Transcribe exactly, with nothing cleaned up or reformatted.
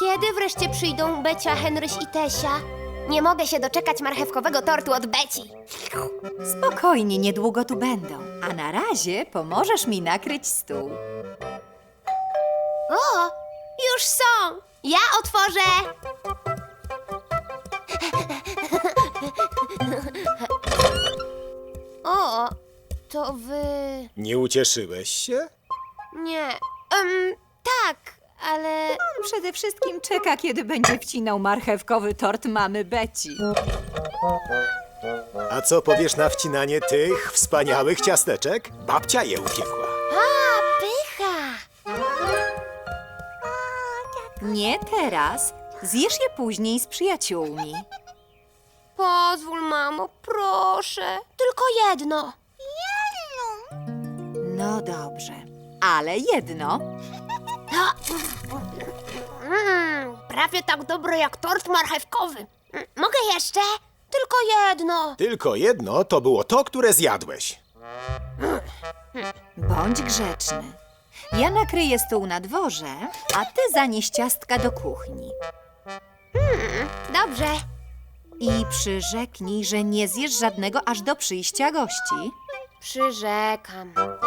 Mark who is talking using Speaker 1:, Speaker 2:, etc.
Speaker 1: Kiedy wreszcie przyjdą Becia, Henryś i Tesia? Nie mogę się doczekać marchewkowego tortu od Beci.
Speaker 2: Spokojnie, niedługo tu będą. A na razie pomożesz mi nakryć stół.
Speaker 1: O, już są! Ja otworzę! O, to wy...
Speaker 3: Nie ucieszyłeś się?
Speaker 1: Nie. Em, tak, ale...
Speaker 2: On przede wszystkim czeka, kiedy będzie wcinał marchewkowy tort mamy Beci.
Speaker 3: A co powiesz na wcinanie tych wspaniałych ciasteczek? Babcia je upiekła.
Speaker 1: A, pycha!
Speaker 2: Nie teraz. Zjesz je później z przyjaciółmi.
Speaker 1: Pozwól, mamo, proszę. Tylko jedno.
Speaker 2: No dobrze, ale jedno.
Speaker 1: Mm, prawie tak dobre jak tort marchewkowy. Mm, mogę jeszcze? Tylko jedno.
Speaker 3: Tylko jedno to było to, które zjadłeś.
Speaker 2: Bądź grzeczny. Ja nakryję stół na dworze, a ty zanieś ciastka do kuchni.
Speaker 1: Dobrze.
Speaker 2: I przyrzeknij, że nie zjesz żadnego aż do przyjścia gości.
Speaker 1: Przyrzekam.